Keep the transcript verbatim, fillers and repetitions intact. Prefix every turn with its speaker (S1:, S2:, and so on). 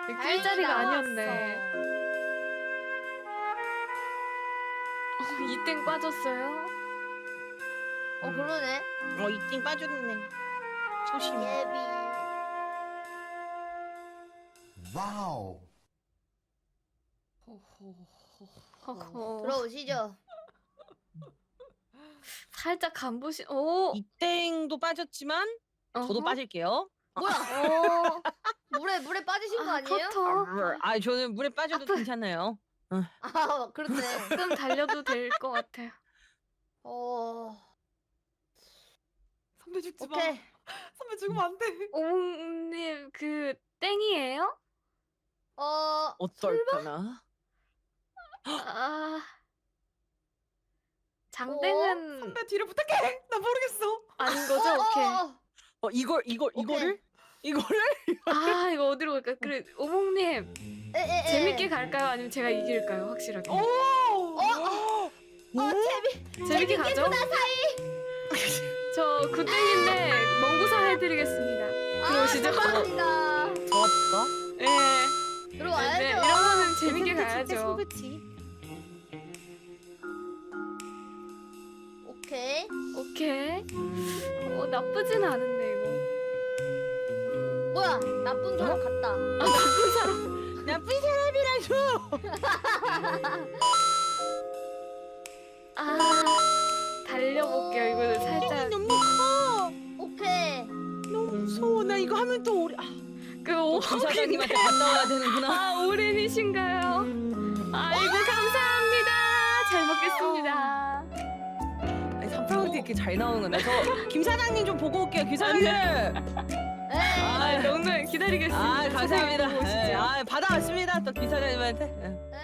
S1: 낄 자리가 아니었네. 어, 이땡 빠졌어요?
S2: 어 그러네.
S3: 어 이띵 빠졌네. 조심해.
S2: 예비.
S4: 와우.
S1: 허허.
S2: 들어오시죠.
S1: 살짝 간보시. 오.
S3: 이땡도 빠졌지만 저도
S1: 어허.
S3: 빠질게요.
S2: 뭐야? 어. 물에 물에 빠지신 거
S1: 아,
S2: 아니에요?
S1: 커터.
S3: 아 저는 물에 빠져도 괜찮아요.
S2: 아 그렇네.
S1: 조금 달려도 될 것 같아요.
S2: 어.
S5: 선배 죽지 마.
S2: 오케이.
S5: 선배 죽으면 안 돼.
S1: 오목님 그 땡이에요?
S2: 어.
S3: 어떨까나?
S1: 아. 장땡은
S5: 선배 뒤를 부탁해. 나 모르겠어.
S1: 아닌 거죠? 오케이.
S2: 어,
S3: 어 이걸 이걸
S2: 오케이.
S3: 이거를 이거를
S1: 아 이거 어디로 갈까? 그래 오목님
S2: 에, 에, 에.
S1: 재밌게 갈까요? 아니면 제가 이길까요? 확실하게.
S5: 오.
S2: 어, 어 재미.
S1: 재밌게 가죠? 저 구땡인데 멍구사 해드리겠습니다. 들어오시죠?
S2: 아, 감사합니다.
S3: 좋았을까?
S1: 예.
S2: 들어와야죠.
S1: 네, 이러면은 재밌게 가야죠.
S2: 오케이.
S1: 오케이. 어 나쁘진 않은데 이거.
S2: 뭐야? 나쁜 사람 같다.
S1: 아 나쁜 사람.
S3: 나쁜 사람이라서.
S1: 아 달려볼게요. 이거 살짝
S3: 너무 커.
S2: 오케이.
S3: 너무 무서워. 나 이거 하면 또 오래. 아,
S1: 그
S3: 또 기사장님한테 갔다 와야 되는구나.
S1: 아 오렌이신가요? 아이고 감사합니다. 잘 먹겠습니다.
S3: 아니, 삼 파운드 이렇게 잘 나오는 거나. 저 김 사장님 좀 보고 올게요. 김사장님.
S2: 에.
S1: 아 명절 기다리겠습니다.
S3: 아 감사합니다.
S1: 보시죠.
S3: 예, 아 받아왔습니다. 또 김 사장님한테. 예.